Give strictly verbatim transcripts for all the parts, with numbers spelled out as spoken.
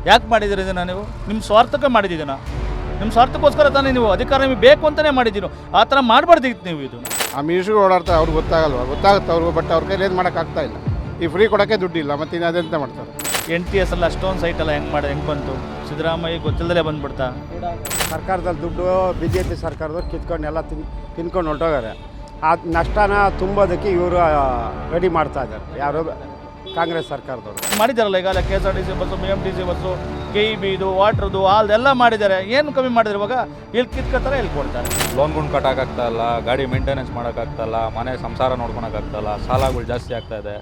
ಯಾಕೆ ಮಾಡಿದ್ದೀರಿ ಇದನ್ನು? ನೀವು ನಿಮ್ಮ ಸ್ವಾರ್ಥಕ್ಕೆ ಮಾಡಿದ್ದೀನ, ನಿಮ್ಮ ಸ್ವಾರ್ಥಕ್ಕೋಸ್ಕರ ತಾನೇ ನೀವು ಅಧಿಕಾರ ನಿಮಗೆ ಬೇಕು ಅಂತಲೇ ಮಾಡಿದ್ದೀರೋ. ಆ ಥರ ಮಾಡಬಾರ್ದಿತ್ತು ನೀವು. ಇದು ಆ ಮಿನಿಸ್ಟ್ರು ಓಡಾಡ್ತಾರೆ, ಅವ್ರಿಗೆ ಗೊತ್ತಾಗಲ್ವ? ಗೊತ್ತಾಗುತ್ತೆ ಅವ್ರಿಗೂ, ಬಟ್ ಅವ್ರ ಕೈಲಿ ಏನು ಮಾಡೋಕ್ಕಾಗ್ತಾ ಇಲ್ಲ. ಈ ಫ್ರೀ ಕೊಡೋಕ್ಕೆ ದುಡ್ಡಿಲ್ಲ, ಮತ್ತು ಇನ್ನು ಅದೆಂತ ಮಾಡ್ತಾರೆ? ಎನ್ ಟಿ ಎಸ್ ಎಲ್ಲ ಅಷ್ಟೊಂದು ಸೈಟೆಲ್ಲ ಹೆಂಗೆ ಮಾಡಿ ಹೆಂಗೆ ಬಂತು? ಸಿದ್ದರಾಮಯ್ಯ ಗೊತ್ತಿಲ್ಲದೆ ಬಂದುಬಿಡ್ತಾ? ಸರ್ಕಾರದಲ್ಲಿ ದುಡ್ಡು ಬಿ ಜೆ ಪಿ ಸರ್ಕಾರದವ್ರು ಕಿತ್ಕೊಂಡು ಎಲ್ಲ ತಿನ್ ತಿನ್ಕೊಂಡು ಹೊರಟೋಗಾರೆ. ಆ ನಷ್ಟನ ತುಂಬೋದಕ್ಕೆ ಇವರು ರೆಡಿ ಮಾಡ್ತಾ ಇದ್ದಾರೆ, ಯಾರು ಕಾಂಗ್ರೆಸ್ ಸರ್ಕಾರದವರು ಮಾಡಿದ್ದಾರಲ್ಲ. ಈಗಾಗಲೇ K S R T C bus, B M T C bus, K E ಬಿದು, ವಾಟ್ರದು, ಆಲ್ದೆಲ್ಲ ಮಾಡಿದ್ದಾರೆ. ಏನು ಕಮ್ಮಿ ಮಾಡಿದ್ರೆ ಇವಾಗ? ಇಲ್ಲಿ ಕಿತ್ಕೊತಾರೆ, ಇಲ್ಲಿ ಕೊಡ್ತಾರೆ. ಲೋನ್ಗಳು ಕಟ್ಟೋಕ್ಕಾಗ್ತಾ ಇಲ್ಲ, ಗಾಡಿ ಮೇಂಟೆನೆನ್ಸ್ ಮಾಡೋಕ್ಕಾಗ್ತಾಯಿಲ್ಲ, ಮನೆ ಸಂಸಾರ ನೋಡ್ಕೊಳಕ್ಕಾಗ್ತಾಯಿಲ್ಲ, ಸಾಲಗಳು ಜಾಸ್ತಿ ಆಗ್ತಾ ಇದೆ.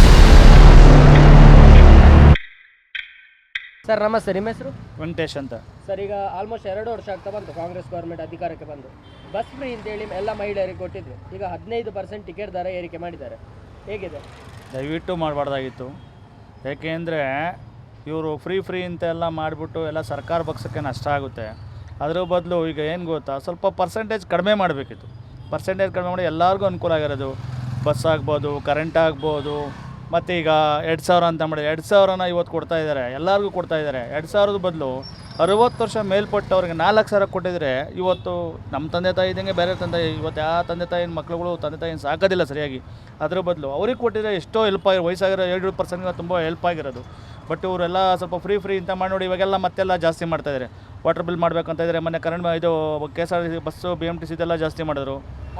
ಸರ್ ನಮಸ್ತೆ, ನಿಮ್ಮ ಹೆಸರು? ವೆಂಕಟೇಶ್ ಅಂತ. ಸರ್, ಈಗ ಆಲ್ಮೋಸ್ಟ್ ಎರಡು ವರ್ಷ ಆಗ್ತಾ ಬಂತು ಕಾಂಗ್ರೆಸ್ ಗೌರ್ಮೆಂಟ್ ಅಧಿಕಾರಕ್ಕೆ ಬಂದು. ಬಸ್ ಫ್ರೀ ಅಂತೇಳಿ ಎಲ್ಲ ಮಹಿಳೆಯರಿಗೆ ಕೊಟ್ಟಿದ್ರು. ಈಗ ಹದಿನೈದು ಪರ್ಸೆಂಟ್ ಟಿಕೆಟ್ ದರ ಏರಿಕೆ ಮಾಡಿದ್ದಾರೆ. ಹೇಗಿದೆ? ದಯವಿಟ್ಟು ಮಾಡಬಾರ್ದಾಗಿತ್ತು. ಏಕೆಂದರೆ ಇವರು ಫ್ರೀ ಫ್ರೀ ಅಂತೆಲ್ಲ ಮಾಡಿಬಿಟ್ಟು ಎಲ್ಲ ಸರ್ಕಾರ ಪಕ್ಷಕ್ಕೆ ನಷ್ಟ ಆಗುತ್ತೆ. ಅದರ ಬದಲು ಈಗ ಏನು ಗೊತ್ತಾ, ಸ್ವಲ್ಪ ಪರ್ಸೆಂಟೇಜ್ ಕಡಿಮೆ ಮಾಡಬೇಕಿತ್ತು. ಪರ್ಸೆಂಟೇಜ್ ಕಡಿಮೆ ಮಾಡಿ ಎಲ್ಲರಿಗೂ ಅನುಕೂಲ ಆಗಿರೋದು. ಬಸ್ ಆಗ್ಬೋದು, ಕರೆಂಟ್ ಆಗ್ಬೋದು. ಮತ್ತು ಈಗ ಎರಡು ಸಾವಿರ ಅಂತ ಮಾಡಿ ಎರಡು ಸಾವಿರನ ಇವತ್ತು ಕೊಡ್ತಾ ಇದ್ದಾರೆ, ಎಲ್ಲರಿಗೂ ಕೊಡ್ತಾ ಇದ್ದಾರೆ. ಎರಡು ಸಾವಿರದ ಬದಲು ಅರುವತ್ತು ವರ್ಷ ಮೇಲ್ಪಟ್ಟವ್ರಿಗೆ ನಾಲ್ಕು ಸಾವಿರ ಕೊಟ್ಟಿದ್ರೆ ಇವತ್ತು ನಮ್ಮ ತಂದೆ ತಾಯಿ ಇದ್ದಂಗೆ ಬೇರೆ ತಂದೆ, ಇವತ್ತು ಯಾವ ತಂದೆ ತಾಯಿನ ಮಕ್ಳುಗಳು ತಂದೆ ತಾಯಿನ ಸಾಕೋದಿಲ್ಲ ಸರಿಯಾಗಿ. ಅದ್ರ ಬದಲು ಅವ್ರಿಗೆ ಕೊಟ್ಟಿದ್ರೆ ಎಷ್ಟೋ ಹೆಲ್ಪ್ ಆಗಿರೋ, ವಯಸ್ಸಾಗಿರೋ ಏಳು ಪರ್ಸೆಂಟ್ಗೆ ತುಂಬ ಹೆಲ್ಪ್ ಆಗಿರೋದು. ಬಟ್ ಇವರೆಲ್ಲ ಸ್ವಲ್ಪ ಫ್ರೀ ಫ್ರೀ ಅಂತ ಮಾಡಿ ನೋಡಿ ಇವಾಗೆಲ್ಲ ಮತ್ತೆಲ್ಲ ಜಾಸ್ತಿ ಮಾಡ್ತಾಯಿದ್ದಾರೆ. ವಾಟರ್ ಬಿಲ್ ಮಾಡಬೇಕಂತ ಇದ್ದಾರೆ. ಮೊನ್ನೆ ಕರೆಂಟ್ ಇದು K S R T C bus, B M T C ಇದೆಲ್ಲ ಜಾಸ್ತಿ ಮಾಡಿದ್ರು.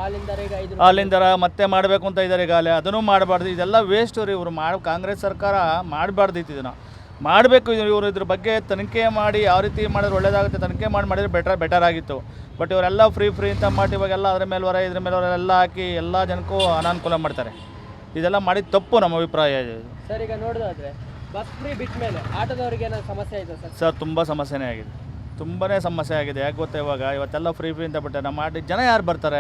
ಹಾಲಿಂದ ಮತ್ತೆ ಮಾಡಬೇಕು ಅಂತ ಇದ್ದಾರೆ ಈಗಾಗಲೇ. ಅದನ್ನು ಮಾಡಬಾರ್ದು. ಇದೆಲ್ಲ ವೇಸ್ಟ್ ರೀ. ಇವರು ಮಾಡಿ ಕಾಂಗ್ರೆಸ್ ಸರ್ಕಾರ ಮಾಡಬಾರ್ದಿತ್ತು. ಇದನ್ನು ಮಾಡಬೇಕು. ಇವರು ಇದ್ರ ಬಗ್ಗೆ ತನಿಖೆ ಮಾಡಿ ಯಾವ ರೀತಿ ಮಾಡಿದ್ರೆ ಒಳ್ಳೇದಾಗುತ್ತೆ, ತನಿಖೆ ಮಾಡಿ ಮಾಡಿದ್ರೆ ಬೆಟರ್ ಬೆಟರ್ ಆಗಿತ್ತು. ಬಟ್ ಇವರೆಲ್ಲ ಫ್ರೀ ಫ್ರೀ ಅಂತ ಮಾಡಿ ಇವಾಗೆಲ್ಲ ಅದ್ರ ಮೇಲೆ ಹೊರ ಇದ್ರ ಮೇಲೆ ಹೊರ ಎಲ್ಲ ಹಾಕಿ ಎಲ್ಲ ಜನಕ್ಕೂ ಅನಾನುಕೂಲ ಮಾಡ್ತಾರೆ. ಇದೆಲ್ಲ ಮಾಡಿದ ತಪ್ಪು ನಮ್ಮ ಅಭಿಪ್ರಾಯ. ಸರ್, ಈಗ ನೋಡೋದಾದ್ರೆ ಬಸ್ ಫ್ರೀ ಬಿಟ್ಟ ಮೇಲೆ ಆಟೋದವರಿಗೆ ಏನಾದ್ರು ಸಮಸ್ಯೆ ಆಯಿತು ಸರ್? ಸರ್ ತುಂಬ ಸಮಸ್ಯೆನೇ ಆಗಿದೆ, ತುಂಬಾ ಸಮಸ್ಯೆ ಆಗಿದೆ. ಯಾಕೆ ಗೊತ್ತಾ, ಇವಾಗ ಇವತ್ತೆಲ್ಲ ಫ್ರೀ ಫ್ರೀ ಅಂತ ಬಿಟ್ಟರೆ ನಮ್ಮ ಆಟ ಜನ ಯಾರು ಬರ್ತಾರೆ?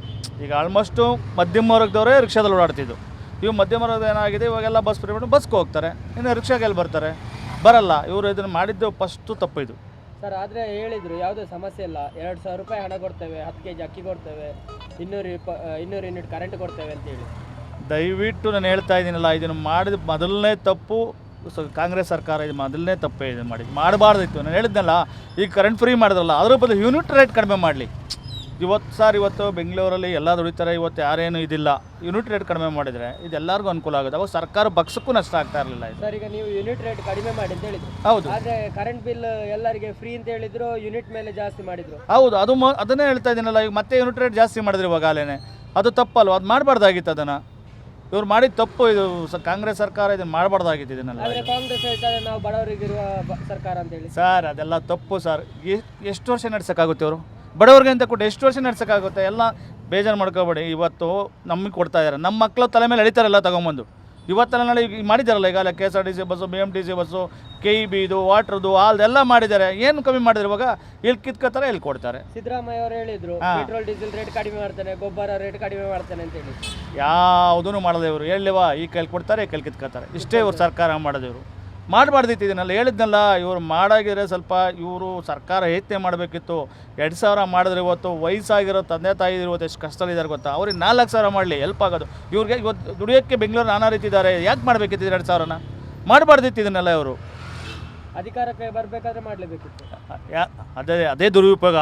ಈಗ ಆಲ್ಮೋಸ್ಟು ಮಧ್ಯಮ ವರ್ಗದವರೇ ರಿಕ್ಷಾದಲ್ಲಿ ಓಡಾಡ್ತಿದ್ದು. ಇವು ಮಧ್ಯಮ ವರ್ಗದ ಏನಾಗಿದೆ, ಇವಾಗೆಲ್ಲ ಬಸ್ ಫ್ರೀ ಬಿಟ್ಟು ಬಸ್ಗೆ ಹೋಗ್ತಾರೆ. ಇನ್ನು ರಿಕ್ಷಾಗೆ ಎಲ್ಲಿ ಬರ್ತಾರೆ? ಬರಲ್ಲ. ಇವರು ಇದನ್ನು ಮಾಡಿದ್ದು ಫಸ್ಟು ತಪ್ಪು ಇದು. ಸರ್, ಆದರೆ ಹೇಳಿದರು ಯಾವುದೇ ಸಮಸ್ಯೆ ಇಲ್ಲ, ಎರಡು ಸಾವಿರ ರೂಪಾಯಿ ಹಣ ಕೊಡ್ತೇವೆ, ಹತ್ತು ಕೆ ಜಿ ಅಕ್ಕಿ ಕೊಡ್ತೇವೆ, ಇನ್ನೂರು ಇಪ್ಪ ಇನ್ನೂರು ಯೂನಿಟ್ ಕರೆಂಟ್ ಕೊಡ್ತೇವೆ ಅಂತೇಳಿ. ದಯವಿಟ್ಟು ನಾನು ಹೇಳ್ತಾ ಇದ್ದೀನಲ್ಲ, ಇದನ್ನು ಮಾಡಿದ ಮೊದಲನೇ ತಪ್ಪು ಕಾಂಗ್ರೆಸ್ ಸರ್ಕಾರ. ಇದು ಮೊದಲನೇ ತಪ್ಪೇ ಇದು ಮಾಡಿದ್ದು, ಮಾಡಬಾರ್ದಿತ್ತು. ನಾನು ಹೇಳಿದ್ನಲ್ಲ, ಈಗ ಕರೆಂಟ್ ಫ್ರೀ ಮಾಡಿದ್ರಲ್ಲ, ಅದ್ರ ಬದಲು ಯೂನಿಟ್ ರೇಟ್ ಕಡಿಮೆ ಮಾಡಲಿ. ಇವತ್ತು ಸರ್, ಇವತ್ತು ಬೆಂಗಳೂರಲ್ಲಿ ಎಲ್ಲ ದುಡಿತಾರೆ, ಇವತ್ತು ಯಾರೇನು ಇದಿಲ್ಲ. ಯೂನಿಟ್ ರೇಟ್ ಕಡಿಮೆ ಮಾಡಿದರೆ ಇದೆಲ್ಲರಿಗೂ ಅನುಕೂಲ ಆಗುತ್ತೆ. ಅವಾಗ ಸರ್ಕಾರ ಪಕ್ಷಕ್ಕೂ ನಷ್ಟ ಆಗ್ತಾ ಇರಲಿಲ್ಲ. ಸರ್, ಈಗ ನೀವು ಯೂನಿಟ್ ರೇಟ್ ಕಡಿಮೆ ಮಾಡಿ ಅಂತ ಹೇಳಿದ್ರು. ಹೌದು. ಆದರೆ ಕರೆಂಟ್ ಬಿಲ್ ಎಲ್ಲರಿಗೆ ಫ್ರೀ ಅಂತ ಹೇಳಿದ್ರು, ಯೂನಿಟ್ ಮೇಲೆ ಜಾಸ್ತಿ ಮಾಡಿದ್ರು. ಹೌದು, ಅದು ಮ ಅದನ್ನೇ ಹೇಳ್ತಾ ಇದ್ದೀನಲ್ಲ. ಈಗ ಮತ್ತೆ ಯೂನಿಟ್ ರೇಟ್ ಜಾಸ್ತಿ ಮಾಡಿದ್ರು ಇವಾಗಲೇ. ಅದು ತಪ್ಪಲ್ವ? ಅದು ಮಾಡಬಾರ್ದಾಗಿತ್ತು. ಅದನ್ನು ಇವ್ರು ಮಾಡಿದ ತಪ್ಪು. ಇದು ಕಾಂಗ್ರೆಸ್ ಸರ್ಕಾರ ಇದನ್ನು ಮಾಡಬಾರ್ದಾಗಿತ್ತು. ಇದನ್ನೆಲ್ಲ ಆದರೆ ಕಾಂಗ್ರೆಸ್ ಹೇಳ್ತಾರೆ ನಾವು ಬಡವರಿಗಿರುವ ಸರ್ಕಾರ ಅಂತೇಳಿ. ಸರ್, ಅದೆಲ್ಲ ತಪ್ಪು ಸರ್. ಎಷ್ಟು ವರ್ಷ ನಡ್ಸೋಕ್ಕಾಗುತ್ತೆ? ಅವರು ಬಡವ್ರಿಗೆ ಅಂತ ಕೊಟ್ಟು ಎಷ್ಟು ವರ್ಷ ನಡ್ಸೋಕ್ಕಾಗುತ್ತೆ? ಎಲ್ಲ ಬೇಜಾರು ಮಾಡ್ಕೋಬೇಡಿ. ಇವತ್ತು ನಮಗೆ ಕೊಡ್ತಾ ಇದ್ದಾರೆ, ನಮ್ಮ ಮಕ್ಕಳು ತಲೆ ಮೇಲೆ ಎಳಿತಾರೆಲ್ಲ ತೊಗೊಂಬಂದು. ಇವತ್ತೆಲ್ಲ ನಾಳೆ ಈಗ ಮಾಡಿದ್ದಾರಲ್ಲ ಈಗಾಗಲೇ K S R T C bus, B M T C bus, K E ಬಿದು, ವಾಟ್ರದು, ಆಲ್ದೆಲ್ಲ ಮಾಡಿದ್ದಾರೆ. ಏನು ಕಮ್ಮಿ ಮಾಡಿದ್ರೆ ಇವಾಗ? ಇಲ್ಲಿ ಕಿತ್ಕೋತಾರೆ, ಇಲ್ಲಿ ಕೊಡ್ತಾರೆ. ಸಿದ್ದರಾಮಯ್ಯ ಅವರು ಹೇಳಿದ್ರು ಪೆಟ್ರೋಲ್ ಡೀಸೆಲ್ ರೇಟ್ ಕಡಿಮೆ ಮಾಡ್ತಾನೆ, ಗೊಬ್ಬರ ರೇಟ್ ಕಡಿಮೆ ಮಾಡ್ತಾನೆ ಅಂತ ಹೇಳಿ. ಯಾವುದೂ ಮಾಡಲ್ಲ ಇವರು. ಹೇಳಿವಾ, ಈ ಕೈಲಿ ಕೊಡ್ತಾರೆ, ಈ ಕೈಲಿ ಕಿತ್ಕೋತಾರೆ. ಇಷ್ಟೇ ಇವ್ರು ಸರ್ಕಾರ ಮಾಡೋದು. ಇವರು ಮಾಡಬಾರ್ದಿತ್ತು. ಇದನ್ನೆಲ್ಲ ಹೇಳಿದ್ನಲ್ಲ, ಇವರು ಮಾಡಾಗಿದ್ರೆ ಸ್ವಲ್ಪ ಇವರು ಸರ್ಕಾರ ಯೋಚನೆ ಮಾಡಬೇಕಿತ್ತು. ಎರಡು ಸಾವಿರ ಮಾಡಿದ್ರೆ ಇವತ್ತು ವಯಸ್ಸಾಗಿರೋ ತಂದೆ ತಾಯಿ ಇವತ್ತು ಎಷ್ಟು ಕಷ್ಟದಲ್ಲಿದ್ದಾರೆ ಗೊತ್ತಾ? ಅವ್ರಿಗೆ ನಾಲ್ಕು ಸಾವಿರ ಮಾಡಲಿ, ಹೆಲ್ಪ್ ಆಗೋದು. ಇವ್ರಿಗೆ ಇವತ್ತು ದುಡಿಯೋಕ್ಕೆ ಬೆಂಗಳೂರು ನಾನಾ ರೀತಿ ಇದ್ದಾರೆ. ಯಾಕೆ ಮಾಡಬೇಕಿತ್ತು ಎರಡು ಸಾವಿರನ? ಮಾಡಬಾರ್ದಿತ್ತು ಇದನ್ನೆಲ್ಲ. ಇವರು ಅಧಿಕಾರಕ್ಕೆ ಬರಬೇಕಾದ್ರೆ ಮಾಡಲೇಬೇಕಿತ್ತು. ಯಾ ಅದೇ ಅದೇ ದುರುಪಯೋಗ.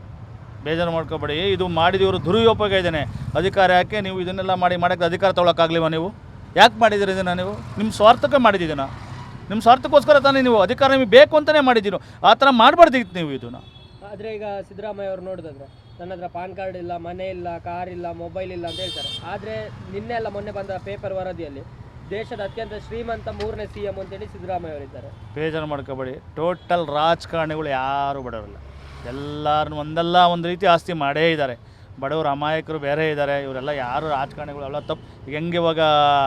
ಬೇಜಾರು ಮಾಡ್ಕೋಬೇಡಿ. ಇದು ಮಾಡಿದವರು ದುರುಪಯೋಗ ಇದ್ದಾನೆ. ಅಧಿಕಾರ ಯಾಕೆ ನೀವು ಇದನ್ನೆಲ್ಲ ಮಾಡಿ ಮಾಡೋಕ್ಕೆ ಅಧಿಕಾರ ತೊಗೊಳಕ್ಕಾಗಲಿವ? ನೀವು ಯಾಕೆ ಮಾಡಿದ್ದೀರಿ ಇದನ್ನು? ನೀವು ನಿಮ್ಮ ಸ್ವಾರ್ಥಕ್ಕೆ ಮಾಡಿದ್ದೀನ, ನಿಮ್ಮ ಸ್ವಾರ್ಥಕ್ಕೋಸ್ಕರ ತಾನೇ ನೀವು ಅಧಿಕಾರ ನಿಮಗೆ ಬೇಕು ಅಂತಲೇ ಮಾಡಿದ್ದೀರೋ. ಆ ಥರ ಮಾಡಬಾರ್ದಿತ್ತು ನೀವು ಇದನ್ನು. ಆದರೆ ಈಗ ಸಿದ್ದರಾಮಯ್ಯ ಅವರು ನೋಡಿದ್ರೆ ನನ್ನ ಹತ್ರ ಪಾನ್ ಕಾರ್ಡ್ ಇಲ್ಲ, ಮನೆ ಇಲ್ಲ, ಕಾರ್ ಇಲ್ಲ, ಮೊಬೈಲ್ ಇಲ್ಲ ಅಂತ ಹೇಳ್ತಾರೆ. ಆದರೆ ನಿನ್ನೆ ಎಲ್ಲ ಮೊನ್ನೆ ಬಂದ ಪೇಪರ್ ವರದಿಯಲ್ಲಿ ದೇಶದ ಅತ್ಯಂತ ಶ್ರೀಮಂತ ಮೂರನೇ ಸಿ ಎಂ ಅಂತೇಳಿ ಸಿದ್ದರಾಮಯ್ಯ ಅವರಿದ್ದಾರೆ. ಬೇಜಾರು ಮಾಡ್ಕೋಬೇಡಿ. ಟೋಟಲ್ ರಾಜಕಾರಣಿಗಳು ಯಾರೂ ಬಡವರಲ್ಲ. ಎಲ್ಲರೂ ಒಂದಲ್ಲ ಒಂದು ರೀತಿ ಆಸ್ತಿ ಮಾಡೇ ಇದ್ದಾರೆ. ಬಡವರು ಅಮಾಯಕರು ಬೇರೆ ಇದ್ದಾರೆ. ಇವರೆಲ್ಲ ಯಾರು ರಾಜಕಾರಣಿಗಳು ಎಲ್ಲ ತಪ್ಪು. ಈಗ ಹೆಂಗೆ ಇವಾಗ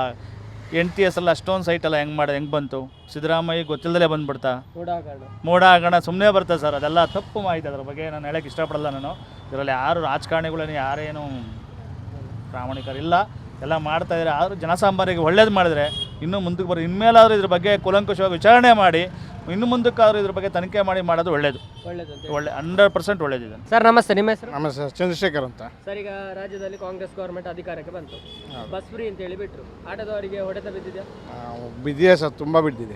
ಎನ್ ಟಿ ಎಸ್ ಎಲ್ಲ ಅಷ್ಟೊಂದು ಸೈಟೆಲ್ಲ ಹೆಂಗೆ ಮಾಡೋದು, ಹೆಂಗೆ ಬಂತು? ಸಿದ್ದರಾಮಯ್ಯ ಗೊತ್ತಿಲ್ಲದಲೇ ಬಂದುಬಿಡ್ತಾ? ಮೋಡ ಹಗರಣ ಸುಮ್ಮನೆ ಬರ್ತದೆ ಸರ್. ಅದೆಲ್ಲ ತಪ್ಪು ಮಾಹಿತಿ. ಅದ್ರ ಬಗ್ಗೆ ನಾನು ಹೇಳೋಕ್ಕೆ ಇಷ್ಟಪಡಲ್ಲ. ನಾನು ಇದರಲ್ಲಿ ಯಾರು ರಾಜಕಾರಣಿಗಳೇನು ಯಾರೇನು ಪ್ರಾಮಾಣಿಕರಿಲ್ಲ. ಎಲ್ಲ ಮಾಡ್ತಾಯಿದ್ದಾರೆ. ಆದರೂ ಜನಸಾಮಾನ್ಯರಿಗೆ ಒಳ್ಳೇದು ಮಾಡಿದರೆ ಇನ್ನೂ ಮುಂದಕ್ಕೆ ಬರೋ. ಇನ್ಮೇಲಾದರೂ ಇದ್ರ ಬಗ್ಗೆ ಕೂಲಂಕುಷವಾಗಿ ವಿಚಾರಣೆ ಮಾಡಿ ಇನ್ನು ಮುಂದಕ್ಕಾದರೂ ಇದ್ರ ಬಗ್ಗೆ ತನಿಖೆ ಮಾಡಿ ಮಾಡೋದು ಒಳ್ಳೇದು. ಒಳ್ಳೇದು ಒಳ್ಳೆ ಹಂಡ್ರೆಡ್ ಪರ್ಸೆಂಟ್ ಒಳ್ಳೇದಿದೆ. ಸರ್ ನಮಸ್ತೆ, ನಿಮ್ಮ ಹೆಸರು? ನಮಸ್ತೆ, ಚಂದ್ರಶೇಖರ್ ಅಂತ. ಸರ್, ಈಗ ರಾಜ್ಯದಲ್ಲಿ ಕಾಂಗ್ರೆಸ್ ಗೌರ್ಮೆಂಟ್ ಅಧಿಕಾರಕ್ಕೆ ಬಂತು. ಬಸ್ ಫ್ರೀ ಅಂತ ಹೇಳಿ ಬಿಟ್ಟರು. ಆಟೋದವರಿಗೆ ಹೊಡೆತ ಬಿದ್ದಿದೆಯಾ? ಬಿದ್ದಿದೆ ಸರ್, ತುಂಬ ಬಿದ್ದಿದೆ.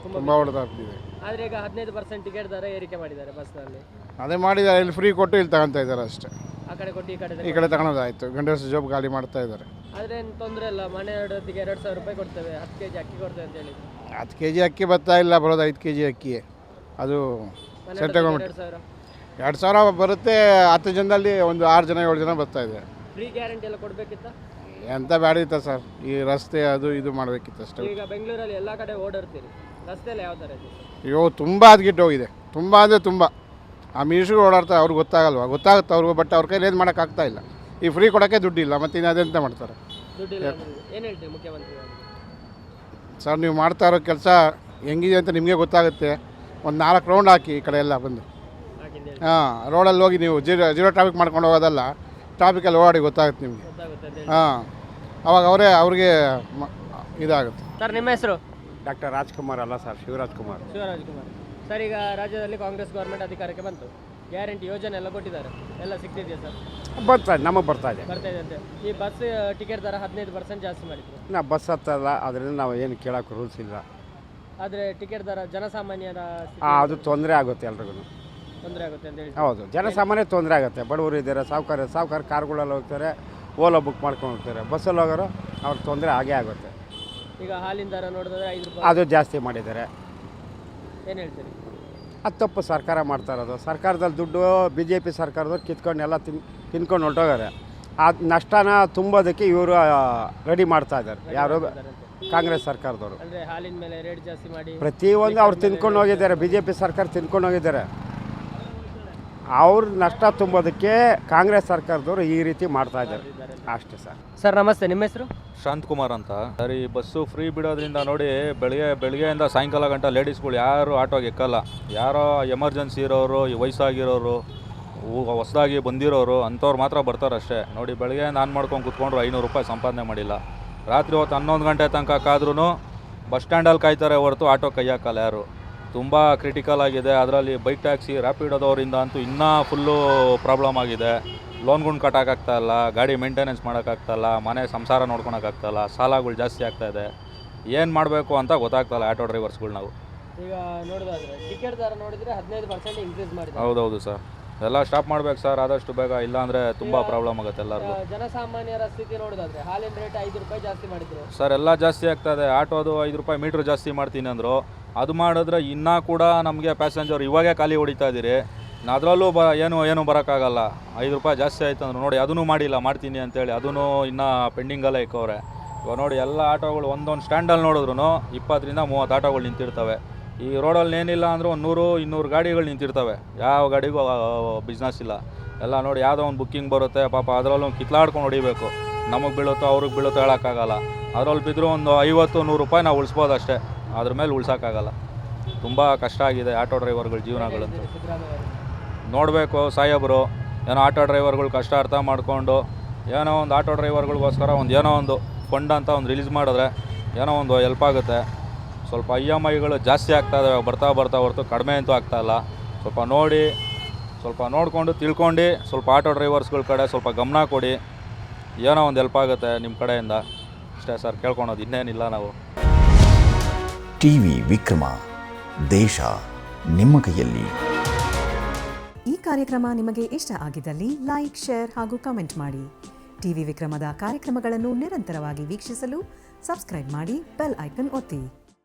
ತುಂಬ ತುಂಬ ಹೊಡೆದಾಗ್ತಿದೆ. ಆದರೆ ಈಗ ಹದಿನೈದು ಪರ್ಸೆಂಟ್ ಟಿಕೆಟ್ ದರ ಏರಿಕೆ ಮಾಡಿದ್ದಾರೆ ಬಸ್ನಲ್ಲಿ. ಅದೇ ಮಾಡಿದ್ದಾರೆ, ಇಲ್ಲಿ ಫ್ರೀ ಕೊಟ್ಟು ಇಲ್ಲಿ ತಗೊತಾ ಇದ್ದಾರೆ ಅಷ್ಟೇ. ಆ ಕಡೆ ಕೊಟ್ಟು ಈ ಕಡೆ ಈ ಕಡೆ ತಗೊಳೋದಾಯ್ತು, ಗಂಡಸು ಜಾಬ್ ಖಾಲಿ ಮಾಡ್ತಾ ಇದ್ದಾರೆ. ಆದರೆ ಏನು ತೊಂದರೆ ಇಲ್ಲ, ಮನೆ ಹೊಡೆದಿಗೆ ಎರಡು ಸಾವಿರ ರೂಪಾಯಿ ಕೊಡ್ತೇವೆ, ಹತ್ತು ಕೆ ಜಿ ಅಕ್ಕಿ ಕೊಡ್ತೇವೆ ಅಂತ ಹೇಳಿ. ಹತ್ತು ಕೆ ಜಿ ಅಕ್ಕಿ ಬರ್ತಾ ಇಲ್ಲ, ಬರೋದು ಐದು ಕೆ ಜಿ ಅಕ್ಕಿ. ಅದು ಮನೆ ಸೆಟ್ ಹೊಡೆದಿಗೆ ತಗೊಂಡ್ಬಿಟ್ಟು ಎರಡು ಸಾವಿರ ಎರಡು ಸಾವಿರ ಬರುತ್ತೆ. ಹತ್ತು ಜನದಲ್ಲಿ ಒಂದು ಆರು ಜನ ಏಳು ಜನ ಬರ್ತಾ ಇದೆ. ಫ್ರೀ ಗ್ಯಾರಂಟಿ ಎಲ್ಲ ಕೊಡಬೇಕಿತ್ತ? ಎಂತ ಬ್ಯಾಡ ಇತ್ತ ಸರ್, ಈ ರಸ್ತೆ ಅದು ಇದು ಮಾಡಬೇಕಿತ್ತು ಅಷ್ಟೇ. ಈಗ ಬೆಂಗಳೂರಲ್ಲಿ ಎಲ್ಲ ಕಡೆ ಓಡಾಡ್ತೀರಿ, ರಸ್ತೆಯಲ್ಲಿ ಯಾವ ಥರ ಇದೆ? ಅಯ್ಯೋ ತುಂಬ ಹದ್ಗಿಟ್ಟು ಹೋಗಿದೆ, ತುಂಬ ಅಂದರೆ ತುಂಬ. ಆ ಮಿನಿಸ್ಟ್ರು ಓಡಾಡ್ತಾರೆ, ಅವ್ರಿಗೆ ಗೊತ್ತಾಗಲ್ವಾ? ಗೊತ್ತಾಗುತ್ತೆ ಅವ್ರಿಗೂ, ಬಟ್ ಅವ್ರ ಕೈಲಿ ಏನು ಮಾಡೋಕ್ಕಾಗ್ತಾ ಇಲ್ಲ. ಈ ಫ್ರೀ ಕೊಡೋಕ್ಕೆ ದುಡ್ಡಿಲ್ಲ, ಮತ್ತು ಇನ್ನು ಅದೆಂತ ಮಾಡ್ತಾರೆ ದುಡ್ಡಿಲ್ಲ ಏನು ಹೇಳ್ತೀವಿ ಮುಖ್ಯಮಂತ್ರಿ? ಸರ್? ನೀವು ಮಾಡ್ತಾ ಇರೋ ಕೆಲಸ ಹೆಂಗಿದೆ ಅಂತ ನಿಮಗೆ ಗೊತ್ತಾಗುತ್ತೆ. ಒಂದು ನಾಲ್ಕು ರೌಂಡ್ ಹಾಕಿ ಈ ಕಡೆ ಎಲ್ಲ ಬಂದು. ಹಾಕಿದ್ದೇನೆ ಹಾಂ, ರೋಡಲ್ಲಿ ಹೋಗಿ ನೀವು ಜೀರೋ ಜೀರೋ ಟ್ರಾಫಿಕ್ ಮಾಡ್ಕೊಂಡು ಹೋಗೋದಲ್ಲ, ಟ್ರಾಫಿಕಲ್ಲಿ ಓಡಾಡಿ ಗೊತ್ತಾಗುತ್ತೆ ನಿಮಗೆ. ಗೊತ್ತಾಗುತ್ತೆ ಅಂತ ಹೇಳಿ. ಹಾಂ, ಅವಾಗ ಅವರೇ ಅವ್ರಿಗೆ ಮ- ಇದಾಗುತ್ತೆ. ಸರ್ ನಿಮ್ಮ ಹೆಸರು? ಡಾಕ್ಟರ್ ರಾಜ್ಕುಮಾರ್ ಅಲ್ಲ ಸರ್, ಶಿವರಾಜ್ ಕುಮಾರ್. ಶಿವರಾಜ್ ಕುಮಾರ್. ಸರ್ ಈಗ ರಾಜ್ಯದಲ್ಲಿ ಕಾಂಗ್ರೆಸ್ ಗೌರ್ಮೆಂಟ್ ಅಧಿಕಾರಕ್ಕೆ ಬಂತು, ಗ್ಯಾರಂಟಿ ಯೋಜನೆ ಎಲ್ಲ ಕೊಟ್ಟಿದ್ದಾರೆ, ಎಲ್ಲ ಸಿಗ್ತಿದೆಯಾ ಸರ್? ಬರ್ತಾ ಇದೆ, ನಮಗೆ ಬರ್ತಾ ಇದೆ. ಬರ್ತಾ ಇದೆ ಅಂತೆ. ಈ ಬಸ್ ಟಿಕೆಟ್ ದರ ಹದಿನೈದು ಪರ್ಸೆಂಟ್ ಜಾಸ್ತಿ ಮಾಡಿದ್ರು, ನಾವು ಬಸ್ ಹತ್ತಲ್ಲ, ಅದರಿಂದ ನಾವು ಏನು ಕೇಳೋಕೆ ರೂಲ್ಸ್ ಇಲ್ಲ. ಆದರೆ ಟಿಕೆಟ್ ದರ ಜನಸಾಮಾನ್ಯರ ಆ, ಅದು ತೊಂದರೆ ಆಗುತ್ತೆ ಎಲ್ರಿಗೂ. ತೊಂದರೆ ಆಗುತ್ತೆ ಅಂತ ಹೇಳಿ. ಹೌದು, ಜನಸಾಮಾನ್ಯ ತೊಂದರೆ ಆಗುತ್ತೆ. ಬಡವರು ಇದ್ದಾರೆ, ಸಾವುಕಾರ ಸಾವುಕಾರ ಕಾರ್ಗಳಲ್ಲಿ ಹೋಗ್ತಾರೆ, ಓಲಾ ಬುಕ್ ಮಾಡ್ಕೊಂಡು ಹೋಗ್ತಾರೆ. ಬಸ್ಸಲ್ಲಿ ಹೋಗೋರು ಅವ್ರಿಗೆ ತೊಂದರೆ ಆಗೇ ಆಗುತ್ತೆ. ಈಗ ಹಾಲಿನ ದರ ನೋಡಿದ್ರೆ ಐದು ರೂಪಾಯಿ ಅದು ಜಾಸ್ತಿ ಮಾಡಿದ್ದಾರೆ. ಏನು ಹೇಳ್ತೀರಿ? ಅದು ತಪ್ಪು ಸರ್ಕಾರ ಮಾಡ್ತಾ ಇರೋದು. ಸರ್ಕಾರದಲ್ಲಿ ದುಡ್ಡು ಬಿ ಜೆ ಪಿ ಸರ್ಕಾರದವ್ರು ಕಿತ್ಕೊಂಡು ಎಲ್ಲ ತಿನ್ ತಿನ್ಕೊಂಡು ಹೊರಟೋಗಾರೆ. ಆ ನಷ್ಟನ ತುಂಬೋದಕ್ಕೆ ಇವರು ರೆಡಿ ಮಾಡ್ತಾ ಇದ್ದಾರೆ. ಯಾರು? ಕಾಂಗ್ರೆಸ್ ಸರ್ಕಾರದವರು. ಅಂದರೆ ಹಾಲಿನ ಮೇಲೆ ರೇಟ್ ಜಾಸ್ತಿ ಮಾಡಿ ಪ್ರತಿಯೊಂದು ಅವ್ರು ತಿನ್ಕೊಂಡು ಹೋಗಿದ್ದಾರೆ, ಬಿ ಜೆ ಪಿ ಸರ್ಕಾರ ತಿನ್ಕೊಂಡು ಹೋಗಿದ್ದಾರೆ. ಅವ್ರ ನಷ್ಟ ತುಂಬೋದಕ್ಕೆ ಕಾಂಗ್ರೆಸ್ ಸರ್ಕಾರದವರು ಈ ರೀತಿ ಮಾಡ್ತಾ ಇದ್ದಾರೆ ಅಷ್ಟೇ ಸರ್. ಸರ್ ನಮಸ್ತೆ, ನಿಮ್ಮ ಹೆಸರು? ಶಾಂತಕುಮಾರ್ ಅಂತ. ಸರಿ, ಬಸ್ಸು ಫ್ರೀ ಬಿಡೋದ್ರಿಂದ ನೋಡಿ, ಬೆಳಿಗ್ಗೆ ಬೆಳಗ್ಗೆಯಿಂದ ಸಾಯಂಕಾಲ ಗಂಟ ಲೇಡೀಸ್ಗಳು ಯಾರು ಆಟೋಗೆ ಎಕ್ಕಲ್ಲ. ಯಾರೋ ಎಮರ್ಜೆನ್ಸಿ ಇರೋರು, ಈ ವಯಸ್ಸಾಗಿರೋರು, ಹೊಸದಾಗಿ ಬಂದಿರೋರು ಅಂಥವ್ರು ಮಾತ್ರ ಬರ್ತಾರಷ್ಟೇ. ನೋಡಿ, ಬೆಳಗ್ಗೆ ನಾನು ಮಾಡ್ಕೊಂಡು ಕೂತ್ಕೊಂಡ್ರು ಐನೂರು ರೂಪಾಯಿ ಸಂಪಾದನೆ ಮಾಡಿಲ್ಲ. ರಾತ್ರಿ ಹೊತ್ತು ಹನ್ನೊಂದು ಗಂಟೆ ತನಕ ಕಾದ್ರೂ ಬಸ್ ಸ್ಟ್ಯಾಂಡಲ್ಲಿ ಕಾಯ್ತಾರೆ ಹೊರತು ಆಟೋ ಕೈ ಹಾಕಲ್ಲ ಯಾರು. ತುಂಬ ಕ್ರಿಟಿಕಲ್ ಆಗಿದೆ. ಅದರಲ್ಲಿ ಬೈಕ್ ಟ್ಯಾಕ್ಸಿ ರ್ಯಾಪಿಡೋದವರಿಂದ ಅಂತೂ ಇನ್ನೂ ಫುಲ್ಲು ಪ್ರಾಬ್ಲಮ್ ಆಗಿದೆ. ಲೋನ್ಗಳು ಕಟ್ಟೋಕ್ಕಾಗ್ತಾಯಿಲ್ಲ, ಗಾಡಿ ಮೇಂಟೆನೆನ್ಸ್ ಮಾಡೋಕ್ಕಾಗ್ತಾಯಿಲ್ಲ, ಮನೆ ಸಂಸಾರ ನೋಡ್ಕೊಳಕ್ಕಾಗ್ತಾಯಿಲ್ಲ, ಸಾಲಗಳು ಜಾಸ್ತಿ ಆಗ್ತಾಯಿದೆ. ಏನು ಮಾಡಬೇಕು ಅಂತ ಗೊತ್ತಾಗ್ತಾಯಿಲ್ಲ ಆಟೋ ಡ್ರೈವರ್ಸ್ಗಳು ನಾವು. ಈಗ ನೋಡೋದಾದ್ರೆ ಟಿಕೆಟ್ ದರ ನೋಡಿದರೆ ಹದಿನೈದು ಪರ್ಸೆಂಟ್ ಇನ್ಕ್ರೀಸ್ ಮಾಡಿದ್ದಾರೆ. ಹೌದೌದು ಸರ್, ಎಲ್ಲ ಸ್ಟಾಪ್ ಮಾಡ್ಬೇಕು ಸರ್ ಆದಷ್ಟು ಬೇಗ, ಇಲ್ಲಾಂದರೆ ತುಂಬ ಪ್ರಾಬ್ಲಮ್ ಆಗುತ್ತೆ ಎಲ್ಲರಿಗೂ. ಜನಸಾಮಾನ್ಯರ ಸ್ಥಿತಿ ನೋಡೋದಾದ್ರೆ ಹಾಲಿನ ರೇಟ್ ಐದು ರೂಪಾಯಿ ಜಾಸ್ತಿ ಮಾಡಿದ್ರು ಸರ್. ಎಲ್ಲ ಜಾಸ್ತಿ ಆಗ್ತಾಯಿದೆ. ಆಟೋದು ಐದು ರೂಪಾಯಿ ಮೀಟ್ರ್ ಜಾಸ್ತಿ ಮಾಡ್ತೀನಿ ಅಂದರು. ಅದು ಮಾಡಿದ್ರೆ ಇನ್ನೂ ಕೂಡ ನಮಗೆ ಪ್ಯಾಸೆಂಜರ್ ಇವಾಗೇ ಖಾಲಿ ಹೊಡಿತಾ ಇದ್ದೀರಿ. ಅದರಲ್ಲೂ ಬ ಏನು ಏನು ಬರೋಕ್ಕಾಗಲ್ಲ. ಐದು ರೂಪಾಯಿ ಜಾಸ್ತಿ ಆಯ್ತು ಅಂದ್ರೆ ನೋಡಿ, ಅದನ್ನು ಮಾಡಿಲ್ಲ, ಮಾಡ್ತೀನಿ ಅಂತೇಳಿ ಅದನ್ನು ಇನ್ನೂ ಪೆಂಡಿಂಗಲ್ಲೇ ಇಕ್ಕವ್ರೆ. ಇವಾಗ ನೋಡಿ, ಎಲ್ಲ ಆಟೋಗಳು ಒಂದೊಂದು ಸ್ಟ್ಯಾಂಡಲ್ಲಿ ನೋಡಿದ್ರು ಇಪ್ಪತ್ತರಿಂದ ಮೂವತ್ತು ಆಟೋಗಳು ನಿಂತಿರ್ತವೆ. ಈ ರೋಡಲ್ಲಿ ಏನಿಲ್ಲ ಅಂದರೂ ಒಂದು ನೂರು ಇನ್ನೂರು ಗಾಡಿಗಳು ನಿಂತಿರ್ತವೆ. ಯಾವ ಗಾಡಿಗೂ ಬಿಸ್ನೆಸ್ ಇಲ್ಲ. ಎಲ್ಲ ನೋಡಿ, ಯಾವುದೋ ಒಂದು ಬುಕ್ಕಿಂಗ್ ಬರುತ್ತೆ ಪಾಪ, ಅದರಲ್ಲೂ ಕಿತ್ಲಾಡ್ಕೊಂಡು ಹೊಡಿಬೇಕು. ನಮಗೆ ಬೀಳುತ್ತೋ ಅವ್ರಿಗೆ ಬೀಳುತ್ತೋ ಹೇಳೋಕ್ಕಾಗಲ್ಲ. ಅದರಲ್ಲಿ ಬಿದ್ದರೂ ಒಂದು ಐವತ್ತು ನೂರು ರೂಪಾಯಿ ನಾವು ಉಳಿಸ್ಬೋದು ಅಷ್ಟೇ, ಅದ್ರ ಮೇಲೆ ಉಳ್ಸೋಕ್ಕಾಗಲ್ಲ. ತುಂಬ ಕಷ್ಟ ಆಗಿದೆ ಆಟೋ ಡ್ರೈವರ್ಗಳ ಜೀವನಗಳಂತೂ. ಸಿದ್ದರಾಮಯ್ಯ ಅವರು. ನೋಡಬೇಕು ಸಾಹೇಬರು, ಏನೋ ಆಟೋ ಡ್ರೈವರ್ಗಳು ಕಷ್ಟ ಅರ್ಥ ಮಾಡಿಕೊಂಡು ಏನೋ ಒಂದು ಆಟೋ ಡ್ರೈವರ್ಗಳಿಗೋಸ್ಕರ ಒಂದು ಏನೋ ಒಂದು ಫಂಡ್ ಅಂತ ಒಂದು ರಿಲೀಸ್ ಮಾಡಿದ್ರೆ ಏನೋ ಒಂದು ಹೆಲ್ಪ್ ಆಗುತ್ತೆ. ಸ್ವಲ್ಪ ಇ ಎಮ್ ಐಗಳು ಜಾಸ್ತಿ ಆಗ್ತಾಯಿದ್ದಾವೆ ಬರ್ತಾ ಬರ್ತಾ ಹೊರತು ಕಡಿಮೆ ಅಂತೂ ಆಗ್ತಾಯಿಲ್ಲ. ಸ್ವಲ್ಪ ನೋಡಿ, ಸ್ವಲ್ಪ ನೋಡಿಕೊಂಡು ತಿಳ್ಕೊಂಡು ಸ್ವಲ್ಪ ಆಟೋ ಡ್ರೈವರ್ಸ್ಗಳ ಕಡೆ ಸ್ವಲ್ಪ ಗಮನ ಕೊಡಿ. ಏನೋ ಒಂದು ಹೆಲ್ಪ್ ಆಗುತ್ತೆ ನಿಮ್ಮ ಕಡೆಯಿಂದ ಅಷ್ಟೇ ಸರ್, ಕೇಳ್ಕೊಳೋದು ಇನ್ನೇನಿಲ್ಲ ನಾವು. ಟಿವಿ ವಿಕ್ರಮ, ದೇಶ ನಿಮ್ಮ ಕೈಯಲ್ಲಿ. ಈ ಕಾರ್ಯಕ್ರಮ ನಿಮಗೆ ಇಷ್ಟ ಆಗಿದ್ದಲ್ಲಿ ಲೈಕ್, ಶೇರ್ ಹಾಗೂ ಕಮೆಂಟ್ ಮಾಡಿ. ಟಿವಿ ವಿಕ್ರಮದ ಕಾರ್ಯಕ್ರಮಗಳನ್ನು ನಿರಂತರವಾಗಿ ವೀಕ್ಷಿಸಲು ಸಬ್ಸ್ಕ್ರೈಬ್ ಮಾಡಿ, ಬೆಲ್ ಐಕನ್ ಒತ್ತಿ.